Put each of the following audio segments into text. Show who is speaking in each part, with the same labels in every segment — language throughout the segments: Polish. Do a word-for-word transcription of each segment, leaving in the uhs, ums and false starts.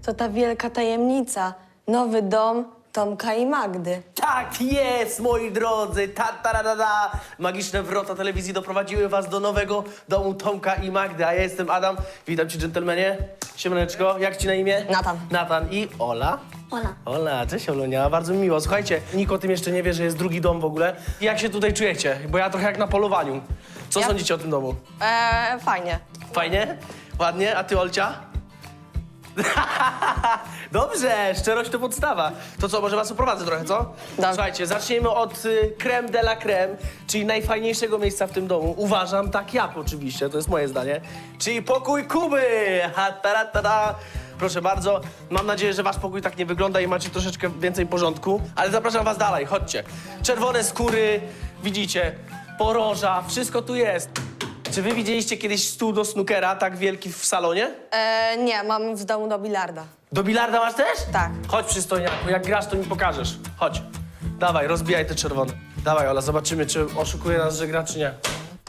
Speaker 1: to ta wielka tajemnica. Nowy dom Tomka i Magdy.
Speaker 2: Tak jest, moi drodzy! Ta, ta, ta, ta, ta. Magiczne wrota telewizji doprowadziły was do nowego domu Tomka i Magdy, a ja jestem Adam. Witam cię, dżentelmenie. Siemaneczko, jak ci na imię?
Speaker 1: Natan.
Speaker 2: Natan i Ola.
Speaker 3: Ola.
Speaker 2: Ola, cześć Olunia, bardzo mi miło. Słuchajcie, nikt o tym jeszcze nie wie, że jest drugi dom w ogóle. Jak się tutaj czujecie? Bo ja trochę jak na polowaniu. Co
Speaker 1: Ja-
Speaker 2: sądzicie o tym domu?
Speaker 1: Eee, fajnie.
Speaker 2: Fajnie? Ładnie? A ty, Olcia? Dobrze, szczerość to podstawa. To co, może was uprowadzę trochę, co?
Speaker 1: Dobrze.
Speaker 2: Słuchajcie, zacznijmy od y, creme de la creme, czyli najfajniejszego miejsca w tym domu. Uważam, tak jak oczywiście, to jest moje zdanie. Czyli pokój Kuby! Ha, ta, ta, ta, ta. Proszę bardzo, mam nadzieję, że wasz pokój tak nie wygląda i macie troszeczkę więcej porządku. Ale zapraszam was dalej, chodźcie. Czerwone skóry, widzicie, poroża, wszystko tu jest. Czy wy widzieliście kiedyś stół do snookera tak wielki w salonie?
Speaker 1: Eee, nie, mam w domu do bilarda.
Speaker 2: Do bilarda masz też?
Speaker 1: Tak.
Speaker 2: Chodź, przystojniaku, jak grasz, to mi pokażesz. Chodź. Dawaj, rozbijaj te czerwone. Dawaj, Ola, zobaczymy, czy oszukuje nas, że gra, czy nie.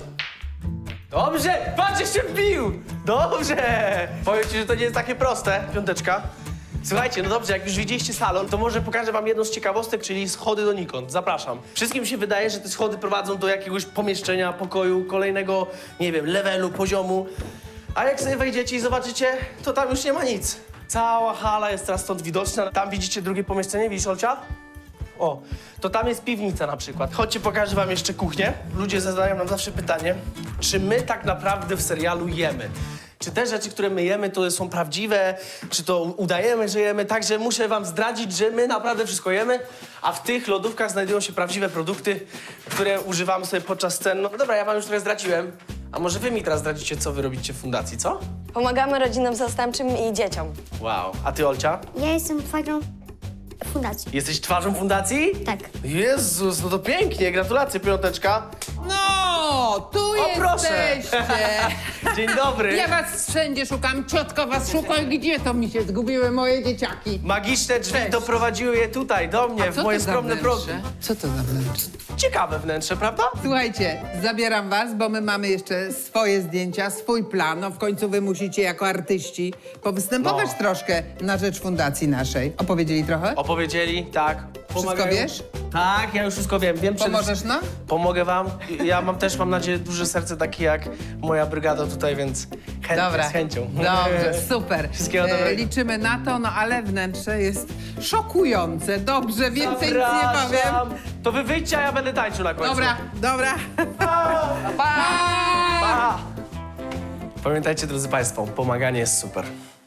Speaker 2: Dobrze! Patrz, jeszcze wbił! Dobrze! Powiem ci, że to nie jest takie proste. Piąteczka. Słuchajcie, no dobrze, jak już widzieliście salon, to może pokażę wam jedną z ciekawostek, czyli schody donikąd. Zapraszam. Wszystkim się wydaje, że te schody prowadzą do jakiegoś pomieszczenia, pokoju, kolejnego, nie wiem, levelu, poziomu. A jak sobie wejdziecie i zobaczycie, to tam już nie ma nic. Cała hala jest teraz stąd widoczna. Tam widzicie drugie pomieszczenie, widzisz, Olcia? O, to tam jest piwnica na przykład. Chodźcie, pokażę wam jeszcze kuchnię. Ludzie zadają nam zawsze pytanie, czy my tak naprawdę w serialu jemy? Czy te rzeczy, które my jemy, to są prawdziwe? Czy to udajemy, że jemy? Także muszę wam zdradzić, że my naprawdę wszystko jemy, a w tych lodówkach znajdują się prawdziwe produkty, które używamy sobie podczas scen. No dobra, ja wam już trochę zdradziłem. A może wy mi teraz zdradzicie, co wy robicie w fundacji, co?
Speaker 1: Pomagamy rodzinom zastępczym i dzieciom.
Speaker 2: Wow. A ty, Olcia?
Speaker 3: Ja jestem twarzą fundacji.
Speaker 2: Jesteś twarzą fundacji?
Speaker 3: Tak.
Speaker 2: Jezus, no to pięknie. Gratulacje, piąteczka.
Speaker 4: No, tu
Speaker 2: O, proszę.
Speaker 4: jesteście.
Speaker 2: Dzień dobry.
Speaker 4: Ja was wszędzie szukam, ciotka was szuka i gdzie to mi się zgubiły moje dzieciaki?
Speaker 2: Magiczne drzwi
Speaker 4: Cześć.
Speaker 2: doprowadziły je tutaj, do mnie,
Speaker 4: A
Speaker 2: w
Speaker 4: co
Speaker 2: moje
Speaker 4: to za
Speaker 2: skromne progi.
Speaker 4: wnętrze? Co to za wnętrze?
Speaker 2: Ciekawe wnętrze, prawda?
Speaker 4: Słuchajcie, zabieram was, bo my mamy jeszcze swoje zdjęcia, swój plan. No w końcu wy musicie jako artyści powystępować
Speaker 2: No.
Speaker 4: troszkę na rzecz fundacji naszej. Opowiedzieli trochę?
Speaker 2: Opowiedzieli, tak. Pomagają.
Speaker 4: wiesz?
Speaker 2: Tak, ja już wszystko wiem. wiem przede
Speaker 4: Pomożesz
Speaker 2: wszystkim-
Speaker 4: nam?
Speaker 2: Pomogę wam. Ja mam też, mam nadzieję, duże serce takie jak moja brygada tutaj, więc chętnie,
Speaker 4: Dobra,
Speaker 2: z chęcią.
Speaker 4: dobrze, super.
Speaker 2: Wszystkiego dobrego.
Speaker 4: liczymy na to, no ale wnętrze jest szokujące. Dobrze, więcej nic nie powiem.
Speaker 2: Zapraszam. To wy wyjdźcie, a ja będę tańczył na końcu.
Speaker 4: Dobra, dobra.
Speaker 2: Pa! Pamiętajcie, drodzy państwo, pomaganie jest super.